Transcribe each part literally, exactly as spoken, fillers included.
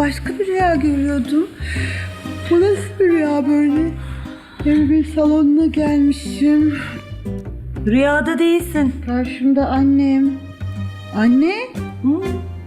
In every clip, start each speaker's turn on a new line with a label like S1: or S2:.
S1: başka bir rüya görüyordum. Bu nasıl bir rüya böyle? Evimin salonuna gelmişim.
S2: Rüyada değilsin.
S1: Karşımda annem. Anne?
S2: Hı?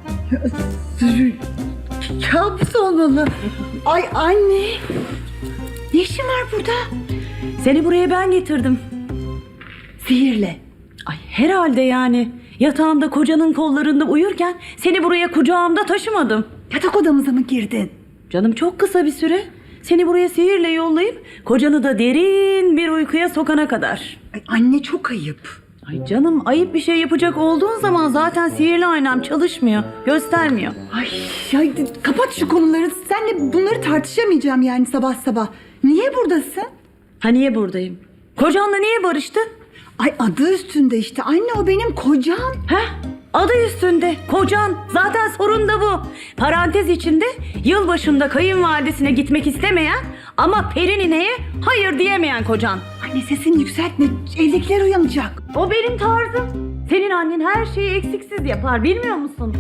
S1: Kabus olmalı. Ay anne. Ne işin var burada?
S2: Seni buraya ben getirdim.
S1: Sihirle.
S2: Ay herhalde yani. Yatağımda kocanın kollarında uyurken seni buraya kucağımda taşımadım.
S1: Yatak odamıza mı girdin?
S2: Canım çok kısa bir süre. Seni buraya sihirle yollayıp kocanı da derin bir uykuya sokana kadar.
S1: Ay anne çok ayıp.
S2: Ay canım, ayıp bir şey yapacak olduğun zaman zaten sihirli aynam çalışmıyor, göstermiyor.
S1: Ay, ay kapat şu konuları. Seninle bunları tartışamayacağım yani sabah sabah. Niye buradasın?
S2: Ha niye buradayım? Kocanla niye barıştın?
S1: Ay adı üstünde işte. Anne o benim kocam.
S2: Heh, adı üstünde kocan. Zaten sorun da bu. Parantez içinde yılbaşında kayınvalidesine gitmek istemeyen ama Perine'ye hayır diyemeyen kocan.
S1: Anne sesini yükseltme. Evdekiler uyanacak.
S2: O benim tarzım. Senin annen her şeyi eksiksiz yapar, bilmiyor musun?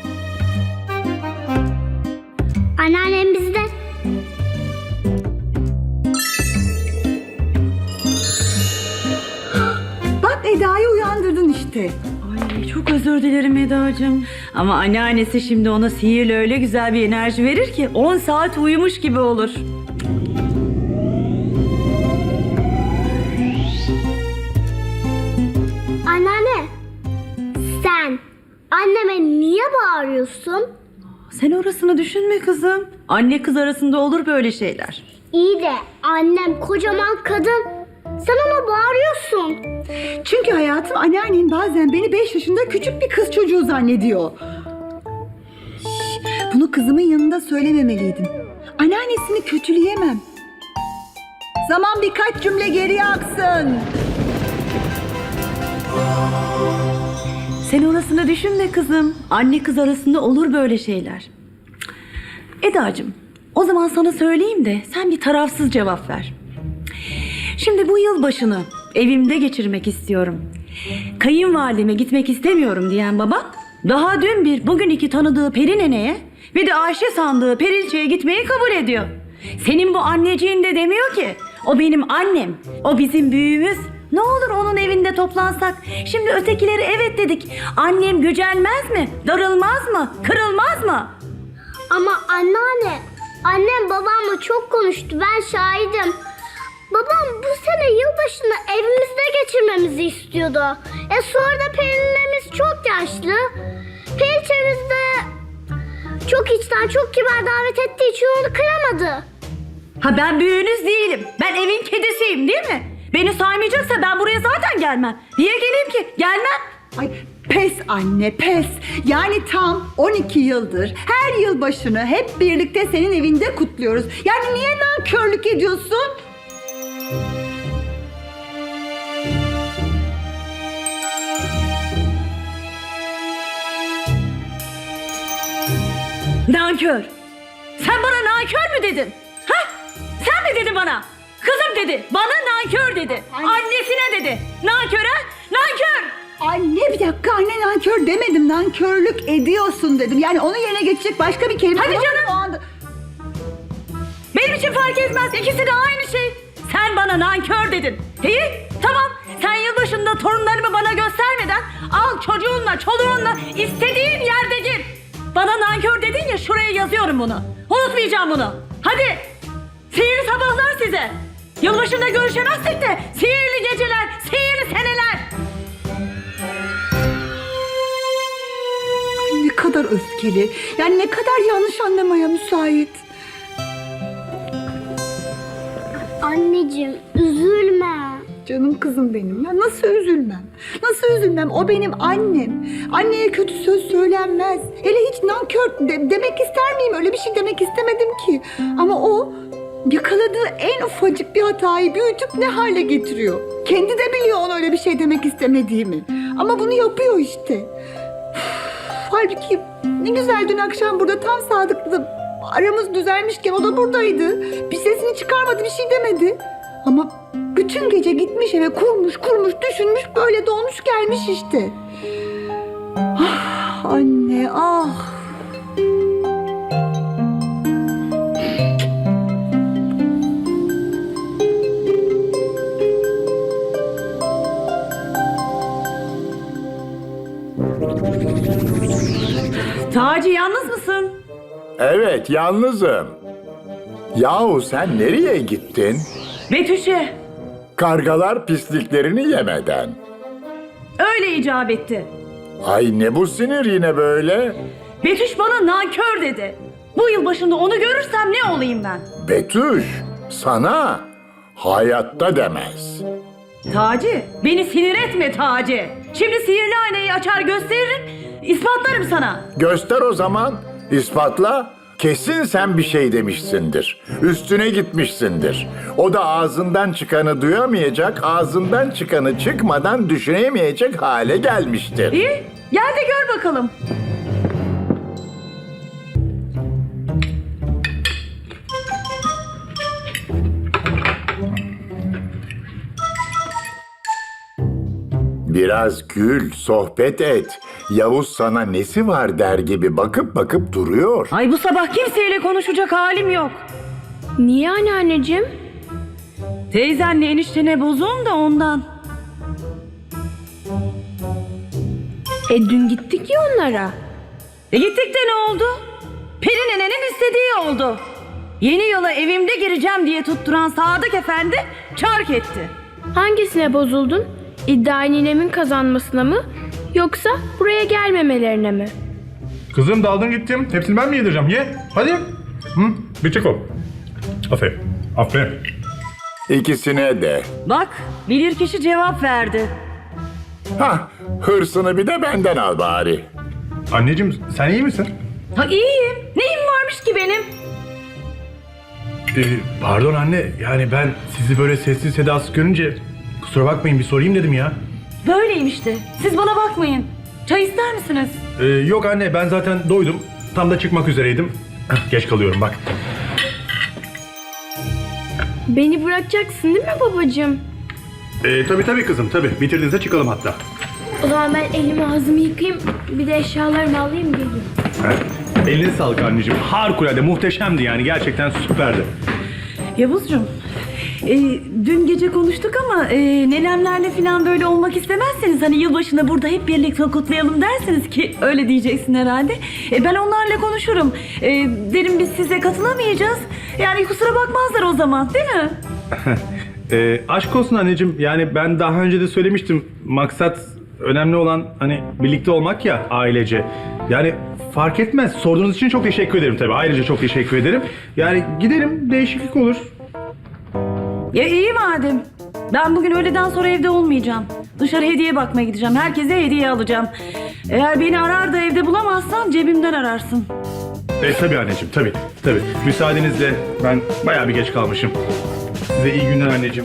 S3: Anneannem bizde.
S1: Bak Eda'yı uyandırdın işte.
S2: Ay çok özür dilerim Eda'cığım. Ama anneannesi şimdi ona sihirle öyle güzel bir enerji verir ki on saat uyumuş gibi olur.
S3: Anneanne, sen anneme niye bağırıyorsun?
S2: Sen orasını düşünme kızım. Anne kız arasında olur böyle şeyler.
S3: İyi de annem kocaman kadın. Sen ona bağırıyorsun.
S1: Çünkü hayatım anneannen bazen beni beş yaşında küçük bir kız çocuğu zannediyor. Şş, bunu kızımın yanında söylememeliydim. Anneannesini kötüleyemem. Zaman birkaç cümle geriye aksın.
S2: Sen orasını düşünme kızım. Anne kız arasında olur böyle şeyler. Eda'cığım, o zaman sana söyleyeyim de sen bir tarafsız cevap ver. Şimdi bu yılbaşını evimde geçirmek istiyorum. Kayınvalideme gitmek istemiyorum diyen babam daha dün bir bugün iki tanıdığı Perinene'ye ve de Ayşe sandığı Perilçe'ye gitmeyi kabul ediyor. Senin bu anneciğin de demiyor ki o benim annem, o bizim büyüğümüz. Ne olur onun evinde toplansak. Şimdi ötekileri evet dedik. Annem gücenmez mi? Darılmaz mı? Kırılmaz mı?
S3: Ama anneanne, annem babamla çok konuştu. Ben şahidim. Babam bu sene yılbaşını evimizde geçirmemizi istiyordu. E sonra da Perine'miz çok yaşlı. Periçemiz de çok içten, çok kibar davet ettiği için onu kıramadı.
S2: Ha ben büyüğünüz değilim. Ben evin kedisiyim değil mi? Beni saymayacaksa ben buraya zaten gelmem. Niye geleyim ki? Gelmem.
S1: Ay pes anne pes. Yani tam on iki yıldır her yılbaşını hep birlikte senin evinde kutluyoruz. Yani niye nankörlük ediyorsun?
S2: Nankör. Sen bana nankör mü dedin? Ha? Sen mi dedin bana? Kızım dedi. Bana nankör dedi.
S1: Ay.
S2: Annesine dedi. Nankör ha? Nankör.
S1: Anne bir dakika anne nankör demedim. Nankörlük ediyorsun dedim. Yani onun yerine geçecek başka bir kelime.
S2: Hadi
S1: yok
S2: canım.
S1: o anda.
S2: Benim için fark etmez. İkisi de aynı şey. Sen bana nankör dedin. İyi tamam. Sen yılbaşında torunlarımı bana göstermeden al çocuğunla çoluğunla istediğin yerde gir. Bana nankör dedin ya, şuraya yazıyorum bunu. Unutmayacağım bunu. Hadi. Sihirli sabahlar size. Yılbaşında görüşemezsek de sihirli geceler, sihirli seneler.
S1: Ay, ne kadar öfkeli. Yani ne kadar yanlış anlamaya müsait.
S3: Anneciğim, üzülme.
S1: Canım kızım benim. Ya nasıl üzülmem? Nasıl üzülmem? O benim annem. Anneye kötü söz söylenmez. Hele hiç nankör de- demek ister miyim? Öyle bir şey demek istemedim ki. Ama o yakaladığı en ufacık bir hatayı büyütüp ne hale getiriyor. Kendi de biliyor ona öyle bir şey demek istemediğimi. Ama bunu yapıyor işte. Üf, halbuki ne güzel dün akşam burada tam sadıklı aramız düzelmişken o da buradaydı. Bir sesini çıkarmadı, bir şey demedi. Ama bütün gece gitmiş eve kurmuş kurmuş düşünmüş böyle dolmuş gelmiş işte. Ah anne ah.
S2: Taci yalnız mısın?
S4: Evet, yalnızım. Yahu sen nereye gittin?
S2: Betüş'e.
S4: Kargalar pisliklerini yemeden.
S2: Öyle icap etti.
S4: Ay ne bu sinir yine böyle?
S2: Betüş bana nankör dedi. Bu yıl başında onu görürsem ne olayım ben?
S4: Betüş, sana hayatta demez.
S2: Taci, beni sinir etme Taci. Şimdi sihirli aynayı açar gösteririm, ispatlarım sana.
S4: Göster o zaman, ispatla. Kesin sen bir şey demişsindir. Üstüne gitmişsindir. O da ağzından çıkanı duyamayacak, ağzından çıkanı çıkmadan düşünemeyecek hale gelmiştir.
S2: İyi, gel de gör bakalım.
S4: Biraz gül, sohbet et. Yavuz sana nesi var der gibi bakıp bakıp duruyor.
S2: Ay bu sabah kimseyle konuşacak halim yok.
S5: Niye anneanneciğim?
S2: Teyzenle eniştene bozuğum da ondan.
S5: E dün gittik ya onlara.
S2: E gittik de ne oldu? Peri nenenin istediği oldu. Yeni yıla evimde gireceğim diye tutturan Sadık Efendi çark etti.
S5: Hangisine bozuldun? İddia ninemin kazanmasına mı? Yoksa buraya gelmemelerine mi?
S6: Kızım daldın gittim. Hepsini ben mi yedireceğim? Ye. Hadi. Hı? Bir çek o. Aferin. Aferin.
S4: İkisine de.
S2: Bak bilirkişi cevap verdi.
S4: Hah, hırsını bir de benden al bari.
S6: Anneciğim sen iyi misin?
S2: Ha iyiyim. Neyim varmış ki benim?
S6: Ee, pardon anne. Yani ben sizi böyle sessiz sedasız görünce kusura bakmayın bir sorayım dedim ya.
S2: Böyleyim işte. Siz bana bakmayın. Çay ister misiniz?
S6: Ee, yok anne ben zaten doydum. Tam da çıkmak üzereydim. Heh, geç kalıyorum bak.
S5: Beni bırakacaksın değil mi babacığım?
S6: Ee, tabii tabii kızım tabii. Bitirdiğinizde çıkalım hatta.
S5: O zaman ben elimi ağzımı yıkayayım. Bir de eşyalarımı alayım geleyim.
S6: Heh. Eline sağlık anneciğim. Harikulade muhteşemdi yani. Gerçekten süperdi.
S2: Yavuzcuğum, e, dün gece konuştuk ama e, nenemlerle falan böyle olmak istemezseniz hani yılbaşını burada hep birlikte kutlayalım derseniz ki öyle diyeceksin herhalde. E, ben onlarla konuşurum. E, derim biz size katılamayacağız. Yani kusura bakmazlar o zaman değil mi?
S6: Ee, aşk olsun anneciğim. Yani ben daha önce de söylemiştim. Maksat önemli olan hani birlikte olmak ya ailece. Yani fark etmez. Sorduğunuz için çok teşekkür ederim tabii. Ayrıca çok teşekkür ederim. Yani gidelim değişiklik olur.
S2: Ya iyi madem. Ben bugün öğleden sonra evde olmayacağım. Dışarı hediye bakmaya gideceğim. Herkese hediye alacağım. Eğer beni arar da evde bulamazsan cebimden ararsın.
S6: E tabii anneciğim tabii. Tabii. Müsaadenizle ben bayağı bir geç kalmışım. Size iyi günler anneciğim.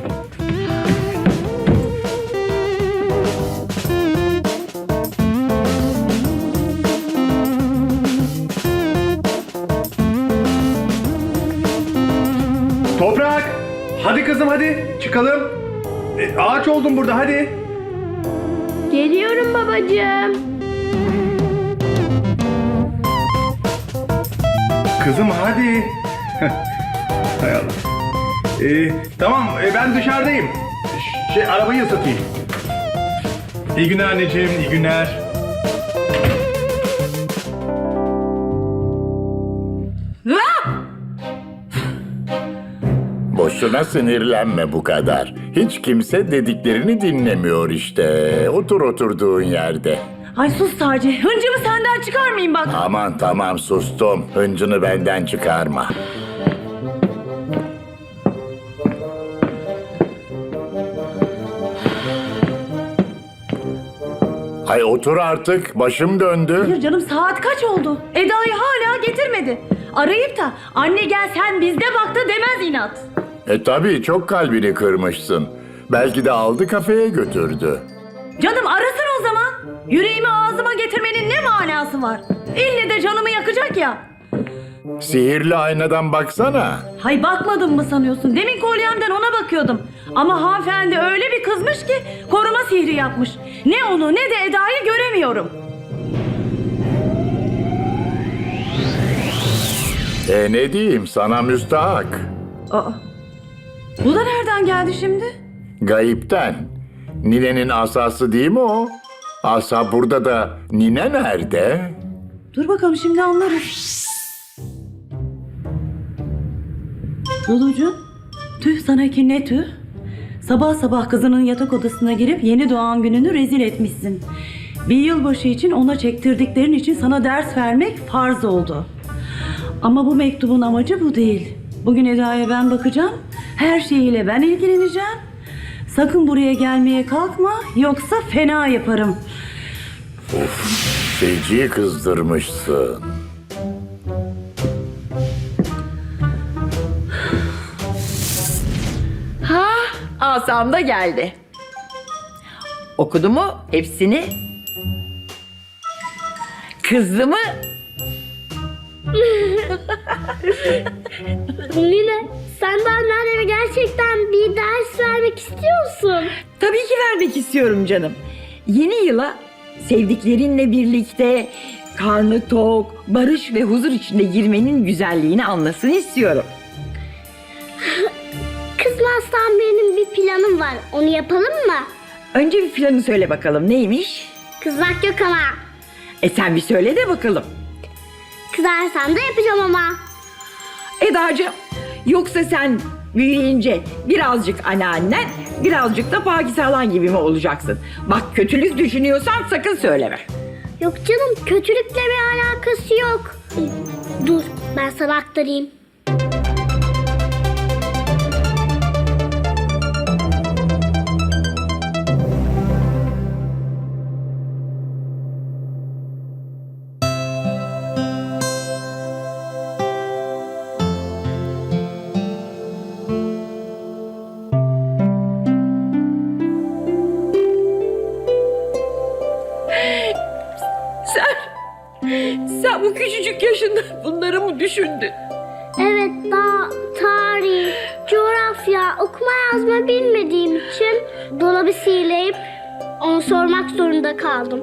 S6: Toprak! Hadi kızım hadi çıkalım. E, ağaç oldum burada hadi.
S5: Geliyorum babacığım.
S6: Kızım hadi. Hay Allah. E, tamam e, ben dışarıdayım. Ş- Şey arabayı ısıtayım. İyi günler anneciğim, iyi günler.
S2: Ah!
S4: Boşuna sinirlenme bu kadar. Hiç kimse dediklerini dinlemiyor işte. Otur oturduğun yerde.
S2: Ay sus Taci. Hıncımı senden çıkarmayayım bak.
S4: Aman tamam sustum. Hıncını benden çıkarma. Ay otur artık. Başım döndü.
S2: Hayır canım saat kaç oldu? Eda'yı hala getirmedi. Arayıp da anne gel sen bizde baktı demez inat.
S4: E tabii çok kalbini kırmışsın. Belki de aldı kafeye götürdü.
S2: Canım arasın o zaman. Yüreğimi ağzıma getirmenin ne manası var? İlle de canımı yakacak ya.
S4: Sihirli aynadan baksana.
S2: Hay bakmadın mı sanıyorsun? Demin kolyemden ona bakıyordum. Ama hanımefendi öyle bir kızmış ki koruma sihri yapmış. Ne onu ne de Eda'yı göremiyorum.
S4: E ne diyeyim sana müstahak.
S2: Aa, bu da nereden geldi şimdi?
S4: Gayipten. Ninenin asası değil mi o? Asa burada da nine nerede?
S2: Dur bakalım şimdi anlarız. Lulucuğum, tüh sana ki ne tüh. Sabah sabah kızının yatak odasına girip yeni doğan gününü rezil etmişsin. Bir yılbaşı için ona çektirdiklerin için sana ders vermek farz oldu. Ama bu mektubun amacı bu değil. Bugün Eda'ya ben bakacağım. Her şeyiyle ben ilgileneceğim. Sakın buraya gelmeye kalkma yoksa fena yaparım.
S4: Feci'yi kızdırmışsın.
S7: Ha, asam da geldi. Okudu mu hepsini? Kızdı mı?
S3: Nine, sen de anneanneme gerçekten bir ders vermek istiyorsun.
S7: Tabii ki vermek istiyorum canım. Yeni yıla sevdiklerinle birlikte karnı tok, barış ve huzur içinde girmenin güzelliğini anlasın istiyorum.
S3: Kızmazsan benim bir planım var. Onu yapalım mı?
S7: Önce bir planı söyle bakalım neymiş?
S3: Kızmak yok ama.
S7: E sen bir söyle de bakalım.
S3: Kızarsan da yapacağım ama.
S7: Eda'cığım, yoksa sen büyüyünce birazcık anneannen, birazcık da Pakize halan gibi mi olacaksın? Bak kötülük düşünüyorsan sakın söyleme.
S3: Yok canım, kötülükle bir alakası yok. Dur, ben sana aktarayım.
S7: Sen, sen bu küçücük yaşında bunları mı düşündün?
S3: Evet, daha tarih, coğrafya, okuma yazma bilmediğim için dolabı sihirleyip onu sormak zorunda kaldım.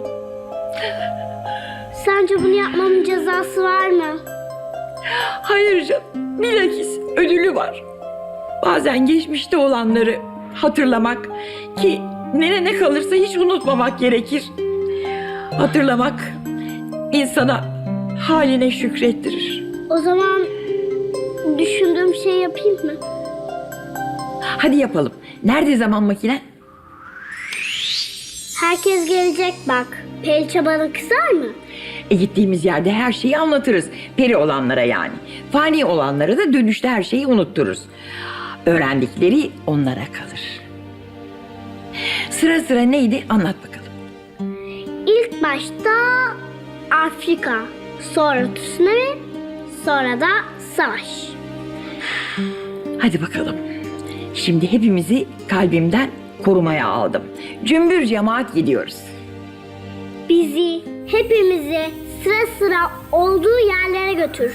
S3: Sence bunu yapmamın cezası var mı?
S7: Hayır canım, bilakis ödülü var. Bazen geçmişte olanları hatırlamak ki ne ne kalırsa hiç unutmamak gerekir. Hatırlamak insana haline şükrettirir.
S3: O zaman düşündüğüm şey yapayım mı?
S7: Hadi yapalım. Nerede zaman makinen?
S3: Herkes gelecek bak. Pelçe bana kızar mı?
S7: E gittiğimiz yerde her şeyi anlatırız. Peri olanlara yani. Fani olanlara da dönüşte her şeyi unuttururuz. Öğrendikleri onlara kalır. Sıra sıra neydi anlat bakalım.
S3: İlk başta Afrika, sonra tsunami, sonra da savaş.
S7: Hadi bakalım. Şimdi hepimizi kalbimden korumaya aldım. Cümbür cemaat gidiyoruz.
S3: Bizi, hepimizi sıra sıra olduğu yerlere götür.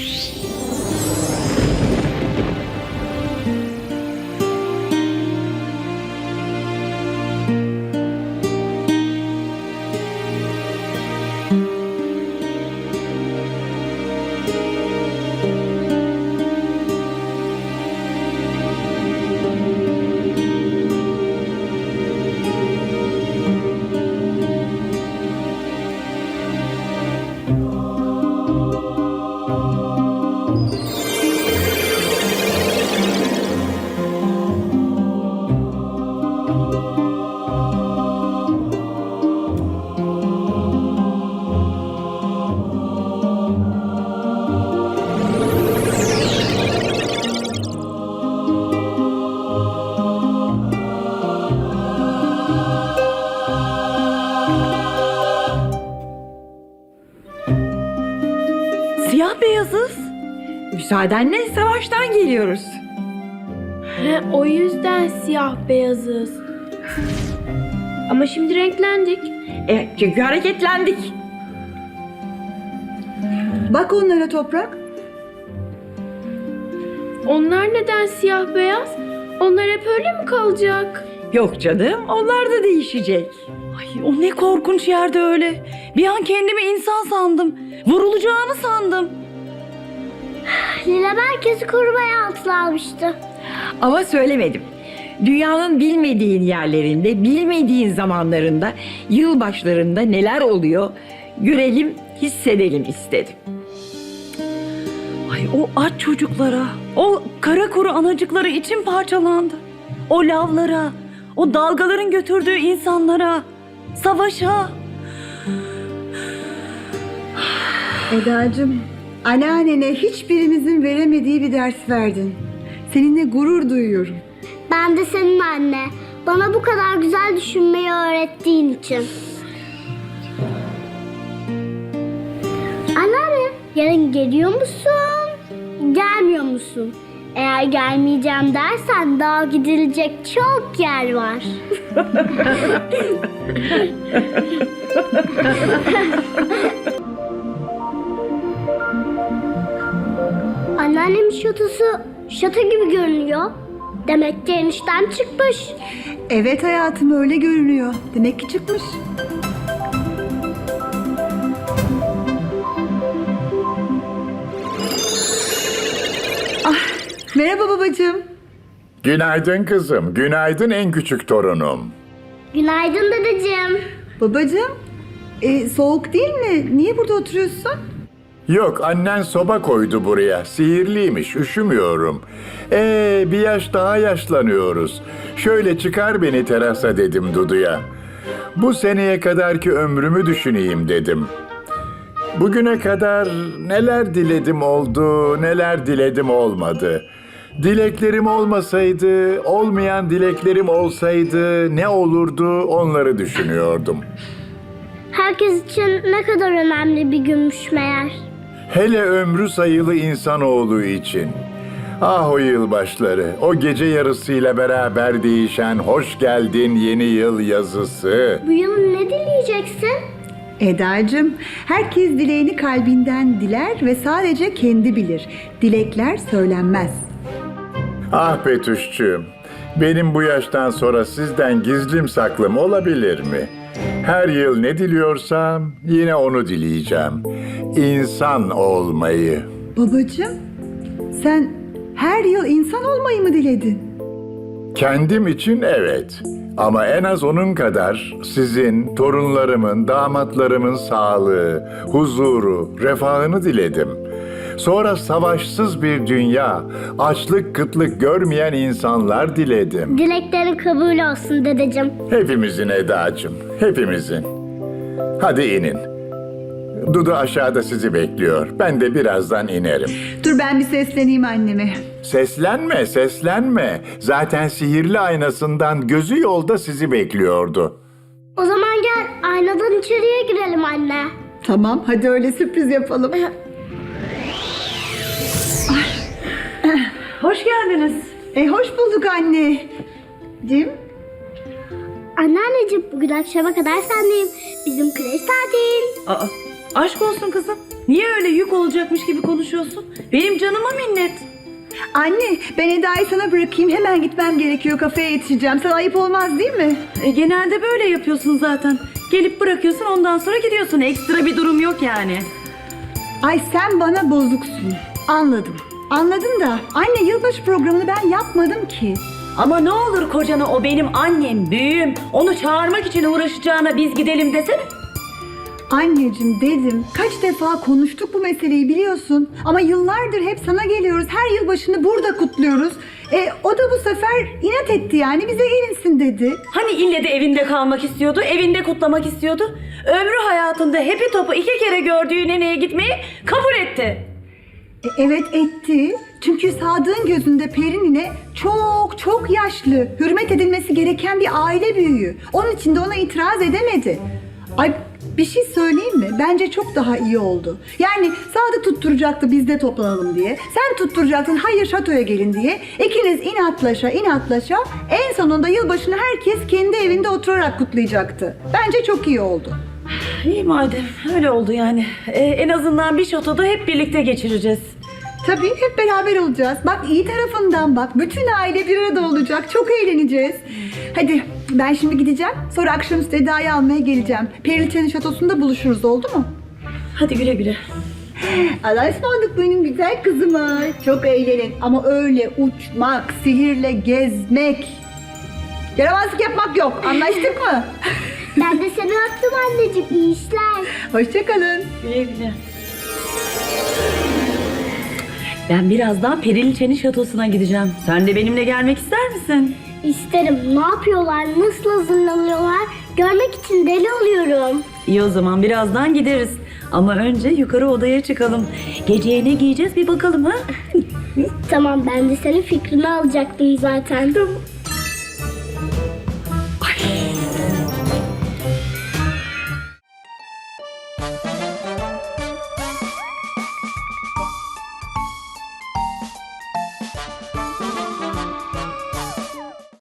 S7: Siyah beyazız. Müsaadenle savaştan geliyoruz.
S5: He, o yüzden siyah beyazız. Ama şimdi renklendik.
S7: E, çünkü hareketlendik.
S1: Bak onlara Toprak.
S5: Onlar neden siyah beyaz? Onlar hep öyle mi kalacak?
S7: Yok canım, onlar da değişecek.
S2: Ay, o ne korkunç yerde öyle. Bir an kendimi insan sandım. Vurulacağımı sandım.
S3: Lila herkesi korumaya altına almıştı.
S7: Ama söylemedim. Dünyanın bilmediğin yerlerinde, bilmediğin zamanlarında, yılbaşlarında neler oluyor görelim, hissedelim istedim.
S2: Ay o aç çocuklara, o kara kuru anacıklara içim parçalandı. O lavlara, o dalgaların götürdüğü insanlara, savaşa.
S1: Eda'cığım, anneannene hiçbirimizin veremediği bir ders verdin. Seninle gurur duyuyorum.
S3: Ben de senin anne. Bana bu kadar güzel düşünmeyi öğrettiğin için. Anneanne, yarın geliyor musun? Gelmiyor musun? Eğer gelmeyeceğim dersen daha gidilecek çok yer var. Anneannemin şatosu şato gibi görünüyor. Demek ki enişten çıkmış.
S1: Evet hayatım, öyle görünüyor. Demek ki çıkmış. Ah, merhaba babacığım.
S4: Günaydın kızım, günaydın en küçük torunum.
S3: Günaydın dedeciğim.
S1: Babacığım, e, soğuk değil mi? Niye burada oturuyorsun?
S4: Yok, annen soba koydu buraya. Sihirliymiş, üşümüyorum. Ee, bir yaş daha yaşlanıyoruz. Şöyle çıkar beni terasa dedim Dudu'ya. Bu seneye kadarki ömrümü düşüneyim dedim. Bugüne kadar neler diledim oldu, neler diledim olmadı. Dileklerim olmasaydı, olmayan dileklerim olsaydı ne olurdu onları düşünüyordum.
S3: Herkes için ne kadar önemli bir günmüş meğer.
S4: Hele ömrü sayılı insanoğlu için. Ah o yılbaşları, o gece yarısıyla beraber değişen hoş geldin yeni yıl yazısı.
S3: Bu yıl ne dileyeceksin?
S1: Eda'cığım, herkes dileğini kalbinden diler ve sadece kendi bilir. Dilekler söylenmez.
S4: Ah Betüşçüğüm, benim bu yaştan sonra sizden gizlim saklım olabilir mi? Her yıl ne diliyorsam yine onu dileyeceğim. İnsan olmayı.
S1: Babacığım, sen her yıl insan olmayı mı diledin?
S4: Kendim için evet. Ama en az onun kadar sizin, torunlarımın, damatlarımın sağlığı, huzuru, refahını diledim. Sonra savaşsız bir dünya, açlık kıtlık görmeyen insanlar diledim.
S3: Dileklerin kabul olsun dedeciğim.
S4: Hepimizin Eda'cığım, hepimizin. Hadi inin. Dudu aşağıda sizi bekliyor. Ben de birazdan inerim.
S1: Dur ben bir sesleneyim anneme.
S4: Seslenme, seslenme. Zaten sihirli aynasından gözü yolda sizi bekliyordu.
S3: O zaman gel aynadan içeriye girelim anne.
S1: Tamam, hadi öyle sürpriz yapalım.
S2: Hoş geldiniz.
S1: E hoş bulduk anne. Cim,
S3: Anneanneciğim bugün akşama kadar sendeyim. Bizim kreş tatil.
S2: Aa, aşk olsun kızım. Niye öyle yük olacakmış gibi konuşuyorsun? Benim canıma minnet.
S1: anne ben Eda'yı sana bırakayım. Hemen gitmem gerekiyor. Kafeye yetişeceğim. Sana ayıp olmaz değil mi?
S2: E, genelde böyle yapıyorsun zaten. Gelip bırakıyorsun, ondan sonra gidiyorsun. Ekstra bir durum yok yani.
S1: Ay sen bana bozuksun. Anladım. Anladım da anne yılbaşı programını ben yapmadım ki.
S2: Ama ne olur kocana o benim annem, büyüğüm. Onu çağırmak için uğraşacağına biz gidelim desene.
S1: Anneciğim dedim. Kaç defa konuştuk bu meseleyi biliyorsun. Ama yıllardır hep sana geliyoruz. Her yılbaşını burada kutluyoruz. E, o da bu sefer inat etti yani. Bize gelinsin dedi.
S2: Hani ille de evinde kalmak istiyordu, evinde kutlamak istiyordu. Ömrü hayatında hepi topu iki kere gördüğü neneye gitmeyi kabul etti.
S1: E, evet etti. Çünkü Sadık'ın gözünde Peri nine çok çok yaşlı. Hürmet edilmesi gereken bir aile büyüğü. Onun için de ona itiraz edemedi. Ay bir şey söyleyeyim mi? Bence çok daha iyi oldu. Yani Sadık tutturacaktı biz de toplanalım diye. Sen tutturacaktın hayır şatoya gelin diye. İkiniz inatlaşa inatlaşa en sonunda yılbaşını herkes kendi evinde oturarak kutlayacaktı. Bence çok iyi oldu.
S2: İyi madem, öyle oldu yani. Ee, en azından bir şatoda hep birlikte geçireceğiz.
S1: Tabii hep beraber olacağız. Bak iyi tarafından bak. Bütün aile bir arada olacak. Çok eğleneceğiz. Hadi ben şimdi gideceğim. Sonra akşamüstü Eda'yı almaya geleceğim. Periliçe'nin şatosunda buluşuruz, oldu mu?
S2: Hadi güle güle.
S1: Allah'a ısmarladık benim güzel kızıma. Çok eğlenin ama öyle uçmak, sihirle gezmek, yaramazlık yapmak yok. Anlaştık mı?
S3: Ben de seni öptüm anneciğim. İyi işler.
S1: Hoşçakalın.
S2: Güle güle. Ben birazdan Periliçe'nin şatosuna gideceğim. Sen de benimle gelmek ister misin?
S3: İsterim. Ne yapıyorlar? Nasıl hazırlanıyorlar? Görmek için deli oluyorum.
S2: İyi o zaman birazdan gideriz. Ama önce yukarı odaya çıkalım. Geceye ne giyeceğiz bir bakalım ha?
S3: Tamam, ben de senin fikrini alacaktım zaten.
S1: Ay.